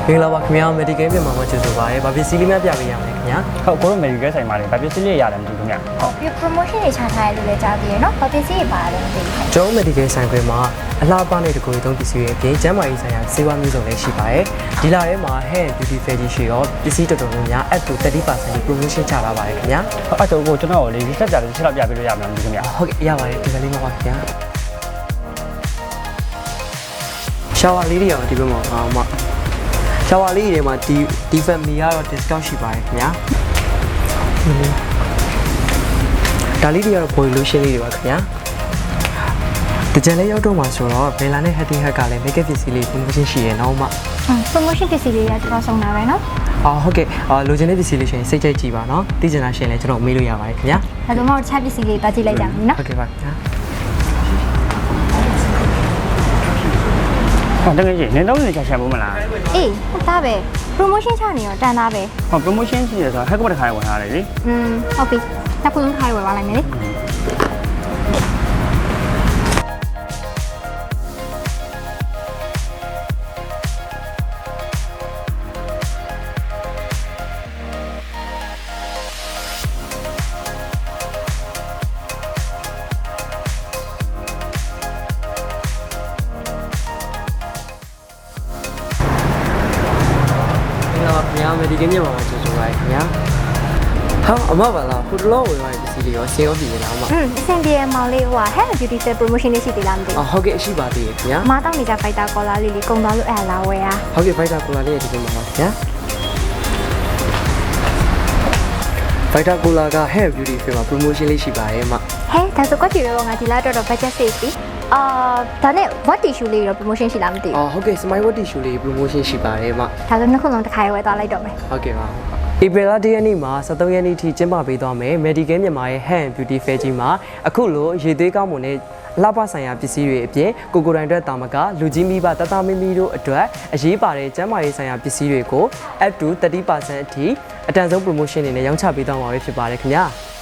မင်္ဂလာပါခင်ဗျာ medical မြန်မာမှာကျေးဇူးပါရယ်။ဘာဖြစ်စီးလေးများပြပေးရမလဲခင်ဗျာဟုတ်ကိုတို့ medical ဆိုင်မှာလေဘာဖြစ်စီးလေးရတယ်မသိဘူးခင်ဗျဟုတ်ပြီး promotion တွေချထားရလို့လည်းကြားသေးရနော်ဘာပစ္စည်းတွေပါတယ်မသိဘူး။ကျွန်တော် medical ဆိုင်ခွဲမှာအလှပနဲ့တကူသုံးပစ္စည်းတွေအပြင်ကျန်းမာရေးဆိုင်ရာဆေးဝါးမျိုးစုံလည်းရှိပါရယ်။ဒီလထဲမှာ hair and beauty fair ကြီးရှိတော့ပစ္စည်းတော်တော်များများ up to 30% promotion ချထားပါတယ်ခင်ဗျာဟုတ်အဲ့တော့ကိုကျွန်တော်ကိုလေဒီဆက်ကြတယ်ချက်တော့ပြပေးလို့ရမှာမသိဘူးခင်ဗျ။ဟုတ်ကဲ့ရပါတယ်ဒီကလေးမှာပါခင်ဗျာ။ရှောဝါလေးတွေရောဒီဘက်မှာရှောဝါလေးတွေမှာဒီ family ကတော့ discount ရှိပါတယ်ခင်ဗျာဒါလေးတွေကတော့ body lotion လေးတွေပါခင်ဗျာတကြံလေးရောက်တော့မှာဆိုတော့ဘယ်လာနဲ့ Heady Hack ကလည်း makeup ပစ္စည်းလေး promotion ရှိရနော်မ promotion ပစ္စည်းတွေကကျွန်တော်ဆောင်တာပဲနော်ဟုတ်ကဲ့လိုချင်တဲ့ပစ္စည်းလေးရှင်စိတ်ကြိုက်ကြည့်ပါနော်သိချင်တာရှင်လည်းကျွန်တော်မေးလို့ရပါတယ်ခင်ဗျာဒါဆိုမှတခြားပစ္စည်းလေးတွားကြည့်လိုက်ကြမယ်နော်ဟုတ်ကဲ့ပါခင်ဗျာဟုတ်တကယ်ကြီးနေတော့နေချက်ချက်ဘူးမလားအေးဟုတ်သားပဲ promotion ချနေတော့တန်သားပဲဟုတ် promotion ရှိရဆိုဟက်ကဘတ်တစ်ခါဝင်ထားတယ်လေဟုတ်ပြီနောက်ဖုန်းခိုင်းဝယ်ပါလိုက်မယ်လေခင်ဗျာ medical မြန်မာမှာကျေးဇူးပါခင်ဗျာဟာအမပါလားခုတလောဝယ်ရတဲ့ပစ္စည်းလေးရောဆေးရောပြည်လားအမအဆင်ပြေမောင်လေးဟို hair beauty fair promotion လေးရှိသေးလားမသိဘူးဟုတ်ကဲ့ရှိပါသေးတယ်ခင်ဗျာမတောင်းနေကြ fighter collar လေးလေးကုန်သွားလို့အဲ့လာဝယ်ရဟုတ်ကဲ့ Vita Cola လေးရဲ့ဒီမှာပါခင်ဗျာ Vita Cola က hair beauty fair မှာ promotion လေးရှိပါတယ်အမဟဲဒါဆိုကွက်တီရောငါဒီလားတော့ budget save ပြီဒါနဲ့ what tissue လေးရော promotion ရှိလားမသိဘူးဟုတ်ကဲ့ Smile Watt Tissue လေး promotion ရှိပါတယ်အမဒါဆိုနှစ်ခုလုံးတစ်ခါရွယ်သွားလိုက်တော့မယ်ဟုတ်ကဲ့ပါဧပြီလ1ရက်နေ့မှာ23ရက်နေ့ထိကျင်းပပေးသွားမယ် Medical မြန်မာရဲ့ Hair and Beauty Fair ကြီးမှာအခုလိုရေသွေးကောင်းမွန်တဲ့လှပဆိုင်ရာပစ္စည်းတွေအပြင်ကိုကိုတိုင်အတွက်တာမကလူကြီးမိဘတတမီမီတို့အတွက်အရေးပါတဲ့ကျန်းမာရေးဆိုင်ရာပစ္စည်းတွေကို up to 30% အထိအတန်ဆုံး promotion တွေနဲ့ရောင်းချပေးသွားမှာဖြစ်ပါတယ်ခင်ဗျာ